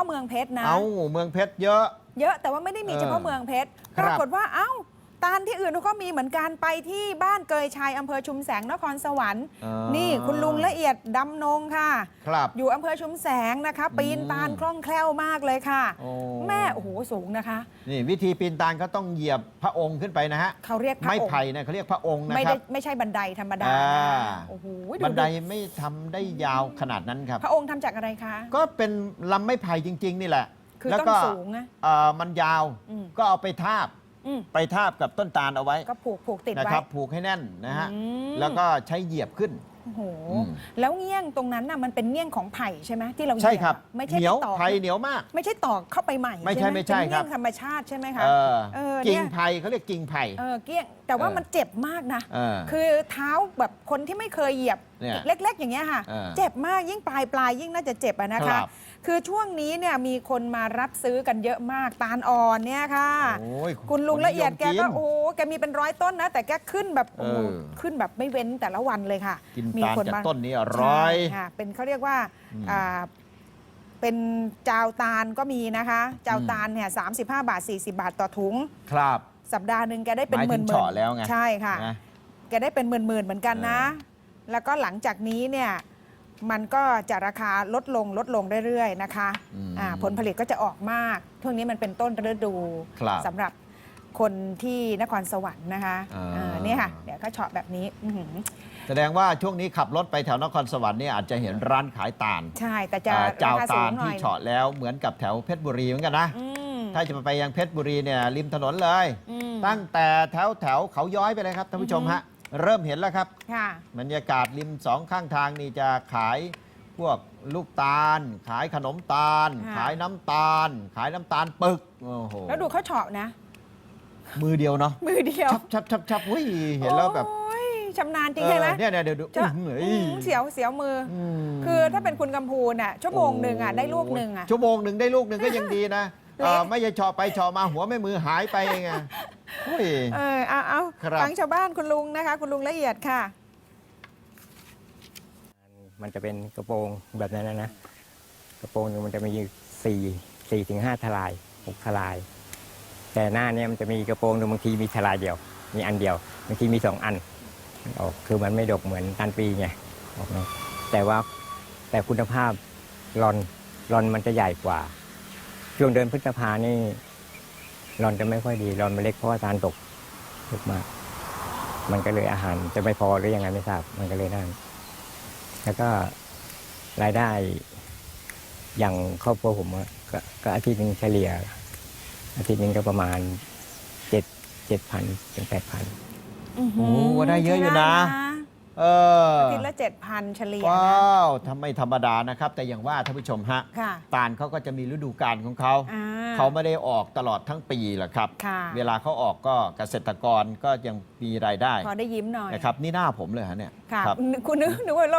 เมืองเพชรนะเมืองเพชรเยอะแต่ว่าไม่ได้มีเฉพาะเมืองเพชรปรากฏว่าตาลที่อื่นเขาก็มีเหมือนกันไปที่บ้านเกยชัยอำเภอชุมแสงนครสวรรค์นี่คุณลุงละเอียดดำนงค่ะอยู่อำเภอชุมแสงนะคะปีนตาลคล่องแคล่วมากเลยค่ะแม่โอ้โหสูงนะคะนี่วิธีปีนตาลก็ต้องเหยียบพระองค์ขึ้นไปนะฮะเขาเรียกพระองค์ไม้ไผ่นะเขาเรียกพระองค์นะครับไม่ใช่บันไดธรรมดาโอ้โหบันไดไม่ทำได้ยาวขนาดนั้นครับพระองค์ทำจากอะไรคะก็เป็นลำไม้ไผ่จริงๆนี่แหละคือต้องสูงนะมันยาวก็เอาไปทาบกับต้นตาลเอาไว้ก็ผูกติดไว้นะครับผูกให้แน่นนะฮะแล้วก็ใช้เหยียบขึ้นโอ้โหแล้วเงี้ยงตรงนั้นน่ะมันเป็นเงี้ยงของไผ่ใช่ไหมที่เราใช่ครับไม่ใช่เหนียวตอกไผ่เหนียวมากไม่ใช่ตอกเข้าไปใหม่ไม่ใช่ครับเป็นเงี้ยงธรรมชาติใช่ไหมคะกิ่งไผ่เขาเรียกกิ่งไผ่เกี้ยงแต่ว่ามันเจ็บมากนะคือเท้าแบบคนที่ไม่เคยเหยียบเล็กๆอย่างเงี้ยค่ะเจ็บมากยิ่งปลายยิ่งน่าจะเจ็บนะคะคือช่วงนี้เนี่ยมีคนมารับซื้อกันเยอะมากตาลอ่อนเนี่ยค่ะคุณลุงละเอียดแกก็แกมีเป็น100 ต้นนะแต่แกขึ้นแบบขึ้นแบบไม่เว้นแต่ละวันเลยค่ะมีคนมาต้นนี้100 ค่ะเป็นเขาเรียกว่าเป็นจาวตาลก็มีนะคะจาวตาลเนี่ย35 บาท40 บาทต่อถุงครับสัปดาห์หนึ่งแกได้เป็นหมื่นแล้วไงใช่ค่ะแกได้เป็นหมื่นเหมือนกันนะแล้วก็หลังจากนี้เนี่ยมันก็จะราคาลดลงเรื่อยๆนะคะผลผลิตก็จะออกมากช่วงนี้มันเป็นต้นฤดูสำหรับคนที่นครสวรรค์นะคะนี่ค่ะเดี๋ยวก็เฉาะแบบนี้แสดงว่าช่วงนี้ขับรถไปแถวนครสวรรค์เนี่ยอาจจะเห็นร้านขายตาลใช่แต่จะจาวตาลที่เฉาะแล้วเหมือนกับแถวเพชรบุรีเหมือนกันนะถ้าจะไปยังเพชรบุรีเนี่ยริมถนนเลยตั้งแต่แถวเขาย้อยไปเลยครับท่านผู้ชมฮะเริ่มเห็นแล้วครับบรรยากาศริม2 ข้างทางนี่จะขายพวกลูกตาลขายขนมตาลขายน้ำตาลขายน้ำตาลปึกโอ้โหแล้วดูเขาเฉาะนะมือเดียวเนาะมือเดียวชับอุ้ยเห็นแล้วแบบชำนาญจริงใช่ไหมเนี่ยเดี๋ยวดูเสียวมือคือถ้าเป็นคุณกำพูนอ่ะชั่วโมงหนึ่งอ่ะได้ลูกหนึ่งอ่ะชั่วโมงหนึ่งได้ลูกหนึ่งก็ยังดีนะไม่ใช่เฉาะไปเฉาะมาหัวไม่มือหายไปไงเอาฟังชาวบ้านคุณลุงนะคะคุณลุงละเอียดค่ะมันจะเป็นกระโปรงแบบนั้นนะกระโปรงนึงมันจะมี4 ถึง 5 ทลาย6 ทลายแต่หน้านี้มันจะมีกระโปรงนึงบางทีมีทลายเดียวมีอันเดียวบางทีมี2 อันออกคือมันไม่ดกเหมือนตันปีไงออกนะแต่คุณภาพรอนมันจะใหญ่กว่าช่วงเดือนพฤษภานี่รอนจะไม่ค่อยดีรอนมันเล็กเพราะว่าตาลตกมากมันก็เลยอาหารจะไม่พอหรือยังไงไม่ทราบมันก็เลยนั่นแล้วก็รายได้อย่างครอบครัวผมก็อาทิตย์นึงเฉลี่ยอาทิตย์นึงก็ประมาณ7,000 ถึง 8,000 โอ้โหได้เยอะอยู่นะอาทิตย์ละ 7,000 เฉลี่ยว้าวทำไมธรรมดานะครับแต่อย่างว่าท่านผู้ชมฮะตาลเขาก็จะมีฤดูกาลของเขาไม่ได้ออกตลอดทั้งปีหรอกครับเวลาเขาออกก็เกษตรกรก็ยังมีรายได้พอได้ยิ้มหน่อยนะครับนี่หน้าผมเลยฮะเนี่ยคุณนึกว่า